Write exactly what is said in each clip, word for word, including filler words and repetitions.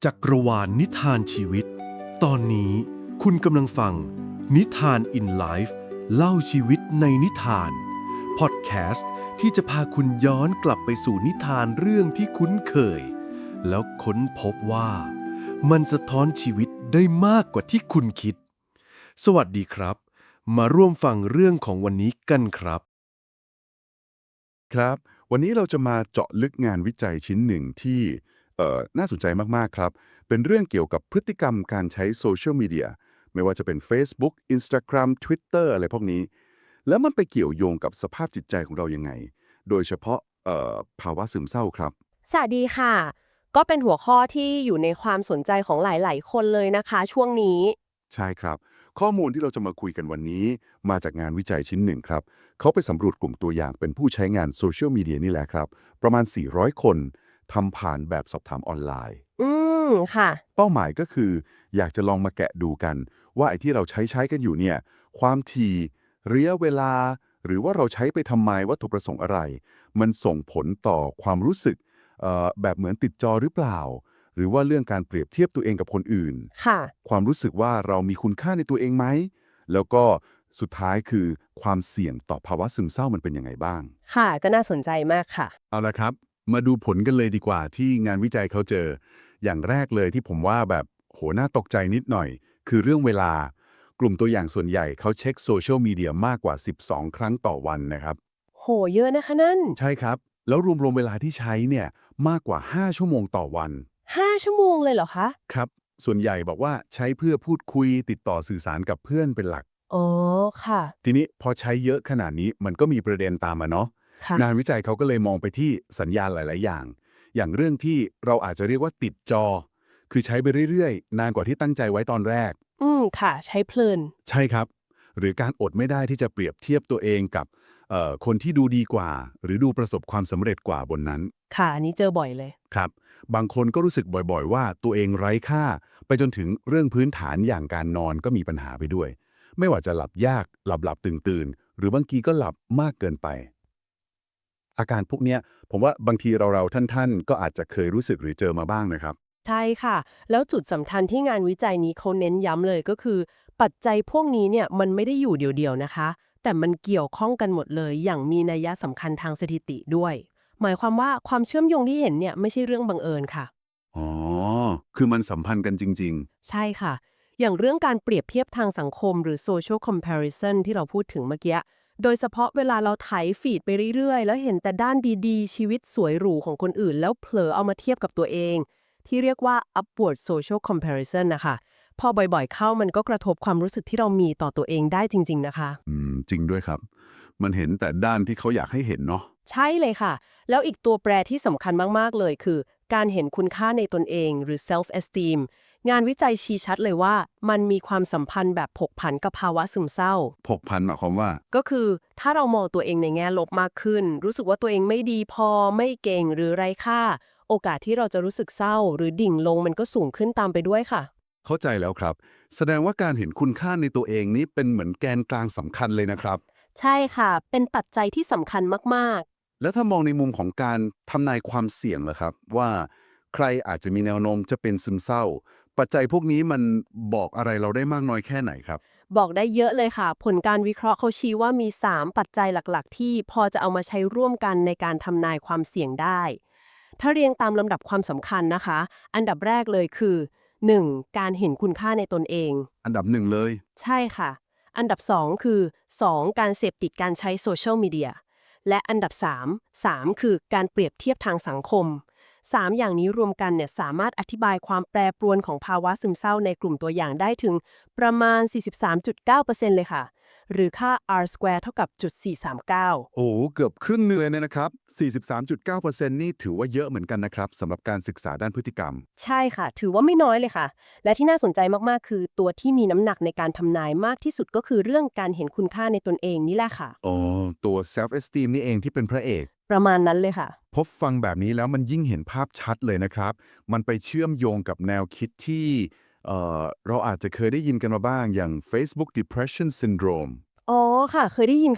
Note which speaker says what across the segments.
Speaker 1: จักรวาลนิทานชีวิต ตอนนี้คุณกำลังฟังนิทาน in Life เล่าชีวิตในนิทานพอดแคสต์ที่จะพาคุณย้อนกลับไปสู่นิทานเรื่องที่คุ้นเคย แล้วค้นพบว่า มันสะท้อนชีวิตได้มากกว่าที่คุณคิด สวัสดีครับ มาร่วมฟังเรื่องของวันนี้กันครับ
Speaker 2: ครับวันนี้เราจะมาเจาะลึกงานวิจัยชิ้นหนึ่งที่เอ่อน่าสนใจมากๆครับเป็นเรื่องเกี่ยวกับพฤติกรรมการใช้โซเชียลมีเดียไม่ว่าจะเป็น Facebook Instagram Twitter อะไรพวกนี้แล้วมันไปเกี่ยวโยงกับสภาพจิตใจของเรายังไง โดยเฉพาะเอ่อภาวะซึมเศร้าครับ
Speaker 3: สวัสดีค่ะ ก็เป็นหัวข้อที่อยู่ในความสนใจของหลาย ๆ คนเลยนะคะช่วงนี้
Speaker 2: ใช่ครับ ข้อมูลที่เราจะมาคุยกันวันนี้มาจากงานวิจัยชิ้นหนึ่งครับเขาไปสำรวจกลุ่มตัวอย่างเป็นผู้ใช้งานโซเชียลมีเดียนี่แหละครับประมาณสี่ร้อยคนทำผ่านแบบสอบถามออนไลน์
Speaker 3: อืม ค่ะ
Speaker 2: เป้าหมายก็คืออยากจะลองมาแกะดูกัน ว่าไอ้ที่เราใช้ใช้กันอยู่เนี่ยความถี่ระยะเวลา หรือว่าเราใช้ไปทำไมวัตถุประสงค์อะไร มันส่งผลต่อความรู้สึกเอ่อแบบเหมือนติดจอหรือเปล่า หรือว่าเรื่องการเปรียบเทียบตัวเองกับคนอื่น
Speaker 3: ค่ะ
Speaker 2: ความรู้สึกว่าเรามีคุณค่าในตัวเองไหม แล้วก็สุดท้ายคือความเสี่ยงต่อภาวะซึมเศร้ามันเป็นยังไงบ้าง
Speaker 3: ค่ะ ก็น่าสนใจมากค่ะ
Speaker 2: เอาละครับ มาดูผลกันเลยดีกว่าที่งานวิจัยเขาเจอ อย่างแรกเลยที่ผมว่าแบบโหน่าตกใจนิดหน่อย คือเรื่องเวลา กลุ่มตัวอย่างส่วนใหญ่เขาเช็คโซเชียลมีเดียมากกว่า สิบสอง ครั้งต่อวันนะครับ
Speaker 3: โห เยอะนะคะนั่น
Speaker 2: ใช่ครับ แล้วรวมๆเวลาที่ใช้เนี่ยมากกว่า ห้า ชั่วโมงต่อวัน
Speaker 3: ห้า ชั่วโมงเลยเหรอคะ
Speaker 2: ครับ ส่วนใหญ่บอกว่าใช้เพื่อพูดคุยติดต่อสื่อสารกับเพื่อนเป็นหลัก
Speaker 3: อ๋อ ค่ะ
Speaker 2: ทีนี้พอใช้เยอะขนาดนี้มันก็มีประเด็นตามมาเนาะ
Speaker 3: ค่ะ
Speaker 2: งานวิจัยเขาก็เลยมองไปที่สัญญาณหลาย ๆ อย่าง อย่างเรื่องที่เราอาจจะเรียกว่าติดจอ คือใช้ไปเรื่อย ๆ นานกว่าที่ตั้งใจไว้ตอนแรก
Speaker 3: อืม ค่ะ ใช้เพลิน
Speaker 2: ใช่ครับ หรือการอดไม่ได้ที่จะเปรียบเทียบตัวเองกับเอ่อคนที่ดูดีกว่า หรือดูประสบความสำเร็จกว่าบนนั้น
Speaker 3: ค่ะ อันนี้เจอบ่อยเลย
Speaker 2: ครับ บางคนก็รู้สึกบ่อย ๆ ว่าตัวเองไร้ค่า ไปจนถึงเรื่องพื้นฐานอย่างการนอนก็มีปัญหาไปด้วย ไม่ว่าจะหลับยาก หลับหลับตื่นตื่นๆ หรือบางทีก็หลับมากเกินไป อาการพวกเนี้ยผมว่าบางทีเราๆท่านๆ ก็อาจจะเคยรู้สึกหรือเจอมาบ้างนะครับ
Speaker 3: ใช่ค่ะ แล้วจุดสำคัญที่งานวิจัยนี้เขาเน้นย้ำเลยก็คือ ปัจจัยพวกนี้เนี่ยมันไม่ได้อยู่เดี่ยวๆนะคะ แต่มันเกี่ยวข้องกันหมดเลย อย่างมีนัยยะสำคัญทางสถิติด้วย หมายความว่าความเชื่อมโยงที่เห็นเนี่ยไม่ใช่เรื่องบังเอิญค่ะ
Speaker 2: อ๋อ คือมันสัมพันธ์กันจริง
Speaker 3: ใช่ค่ะ อย่างเรื่องการเปรียบเทียบทางสังคมหรือ social comparison ที่เราพูดถึงเมื่อกี้ โดยเฉพาะเวลาเราไถฟีดไปเรื่อยๆ แล้วเห็นแต่ด้านดีๆ ชีวิตสวยหรูของคนอื่น แล้วเผลอเอามาเทียบกับตัวเอง ที่เรียกว่า upward social comparison นะคะ พอบ่อยๆ เข้ามันก็กระทบความรู้สึกที่เรามีต่อตัวเองได้จริงๆ นะคะ
Speaker 2: ๆ อืม จริงด้วยครับ มันเห็นแต่ด้านที่เขาอยากให้เห็นเนาะ
Speaker 3: ใช่เลยค่ะ แล้วอีกตัวแปรที่สำคัญมากๆ เลยคือ การเห็นคุณค่าในตนเองหรือ self esteem งานวิจัยชี้ชัดเลยว่า มันมีความสัมพันธ์แบบผกผันกับภาวะซึมเศร้า
Speaker 2: ผกพันหมายความว่า
Speaker 3: ก็คือถ้าเรามองตัวเองในแง่ลบมากขึ้น รู้สึกว่าตัวเองไม่ดีพอไม่เก่งหรือไร้ค่า โอกาสที่เราจะรู้สึกเศร้า หรือดิ่งลงมันก็สูงขึ้นตามไปด้วยค่ะ
Speaker 2: เข้าใจแล้วครับ แสดงว่าการเห็นคุณค่าในตัวเองนี้เป็นเหมือนแกนกลางสำคัญเลยนะครับ
Speaker 3: ใช่ค่ะ เป็นปัจจัยที่สำคัญมาก
Speaker 2: แล้วถ้ามองในมุมของการทำนายความเสี่ยงล่ะครับว่าใครอาจจะมีแนวโน้มจะเป็นซึมเศร้า ปัจจัยพวกนี้มันบอกอะไรเราได้มากน้อยแค่ไหนครับ
Speaker 3: ๆ บอกได้เยอะเลยค่ะ ผลการวิเคราะห์เขาชี้ว่ามี สาม ปัจจัยหลักๆ ที่พอจะเอามาใช้ร่วมกันในการทำนายความเสี่ยงได้ ถ้าเรียงตามลำดับความสำคัญนะคะ อันดับแรกเลยคือ หนึ่ง การเห็นคุณค่าในตนเอง
Speaker 2: อันดับหนึ่งเลย
Speaker 3: ใช่ค่ะ อันดับ สอง คือ สอง การเสพติดการใช้โซเชียลมีเดีย และอันดับ สาม สาม คือการเปรียบเทียบทางสังคม สาม อย่างนี้รวมกันเนี่ยสามารถอธิบายความแปรปรวนของภาวะซึมเศร้าในกลุ่มตัวอย่างได้ถึงประมาณ สี่สิบสามจุดเก้าเปอร์เซ็นต์ เลยค่ะ หรือค่า R square เท่ากับ .439
Speaker 2: โอ้โหเกือบครึ่งหนึงเลยเนี่ยนะครับ สี่สิบสามจุดเก้าเปอร์เซ็นต์ นี่ถือว่าเยอะเหมือนกันนะครับสำหรับการศึกษาด้านพฤติกรรม
Speaker 3: ใช่ค่ะ ถือว่าไม่น้อยเลยค่ะ และที่น่าสนใจมากๆ คือตัวที่มีน้ำหนักในการทำนายมากที่สุดก็คือเรื่องการเห็นคุณค่าในตนเองนี่แหละค่ะ
Speaker 2: อ๋อ ตัว self esteem นี่เองที่เป็นพระเอก
Speaker 3: ประมาณนั้นเลยค่ะ
Speaker 2: พบฟังแบบนี้แล้วมันยิ่งเห็นภาพชัดเลยนะครับ มันไปเชื่อมโยงกับแนวคิดที่เอ่อเราอาจจะเคยได้ยินกันมาบ้างอย่าง Facebook Depression Syndrome
Speaker 3: อ๋อค่ะ เคยได้ยินค่ะ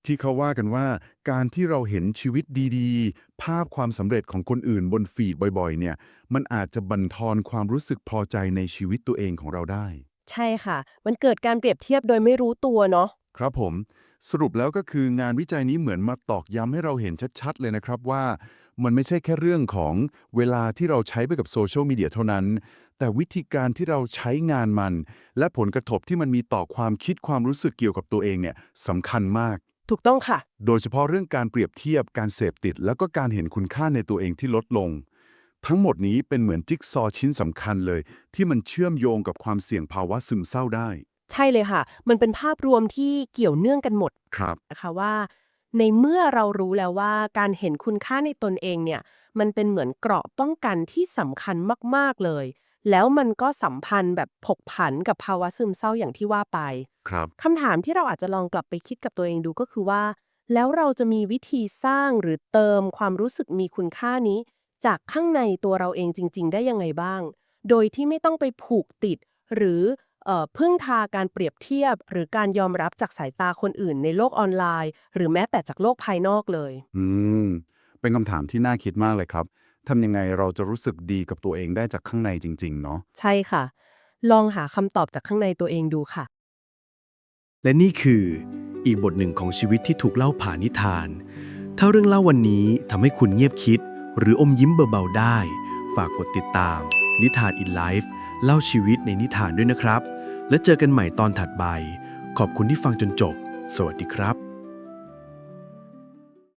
Speaker 2: ที่เขาว่ากันว่าการที่เราเห็นชีวิตดีๆ ภาพความสำเร็จของคนอื่นบนฟีดบ่อยๆเนี่ยมันอาจจะบั่นทอนความรู้สึกพอใจในชีวิตตัวเองของเราได้
Speaker 3: ใช่ค่ะ มันเกิดการเปรียบเทียบโดยไม่รู้ตัวเนาะ
Speaker 2: ครับผมสรุปแล้วก็คืองานวิจัยนี้เหมือนมาตอกย้ำให้เราเห็นชัดๆเลยนะครับว่ามันไม่ใช่แค่เรื่องของเวลาที่เราใช้ไปกับโซเชียลมีเดียเท่านั้นแต่วิธีการที่เราใช้งานมัน และผลกระทบที่มันมีต่อความคิดความรู้สึกเกี่ยวกับตัวเองเนี่ยสำคัญมาก
Speaker 3: ถูกต้องค่ะ
Speaker 2: โดยเฉพาะเรื่องการเปรียบเทียบการเสพติด แล้วก็การเห็นคุณค่าในตัวเองที่ลดลง ทั้งหมดนี้เป็นเหมือนจิ๊กซอว์ชิ้นสำคัญเลย ที่มันเชื่อมโยงกับความเสี่ยงภาวะซึมเศร้าได้
Speaker 3: ใช่เลยค่ะ มันเป็นภาพรวมที่เกี่ยวเนื่องกันหมด
Speaker 2: ครับ
Speaker 3: นะคะว่า ในเมื่อเรารู้แล้วว่าการเห็นคุณค่าในตนเองเนี่ยมันเป็นเหมือนเกราะป้องกันที่สำคัญมากๆเลย แล้วมันก็สัมพันธ์แบบผกผันกับภาวะซึมเศร้าอย่างที่ว่าไป
Speaker 2: ครับ
Speaker 3: คำถามที่เราอาจจะลองกลับไปคิดกับตัวเองดูก็คือว่า แล้วเราจะมีวิธีสร้างหรือเติมความรู้สึกมีคุณค่านี้ จากข้างในตัวเราเองจริงๆได้ยังไงบ้าง โดยที่ไม่ต้องไปผูกติด หรือเอ่อพึ่งพาการเปรียบเทียบ หรือการยอมรับจากสายตาคนอื่นในโลกออนไลน์ หรือแม้แต่จากโลกภายนอกเลย
Speaker 2: อืม เป็นคำถามที่น่าคิดมากเลยครับ ทำยังไงเราจะรู้สึกดีกับตัวเองได้จากข้างในจริงๆ เนาะ
Speaker 3: ใช่ค่ะ ลองหาคำตอบจากข้างในตัวเองดูค่ะ
Speaker 1: และนี่คืออีกบทหนึ่งของชีวิตที่ถูกเล่าผ่านนิทาน ถ้าเรื่องเล่าวันนี้ทำให้คุณเงียบคิด หรืออมยิ้มเบาๆได้ ฝากกดติดตาม นิทาน in Life เล่าชีวิตในนิทานด้วยนะครับ และเจอกันใหม่ตอนถัดไป ขอบคุณที่ฟังจนจบ สวัสดีครับ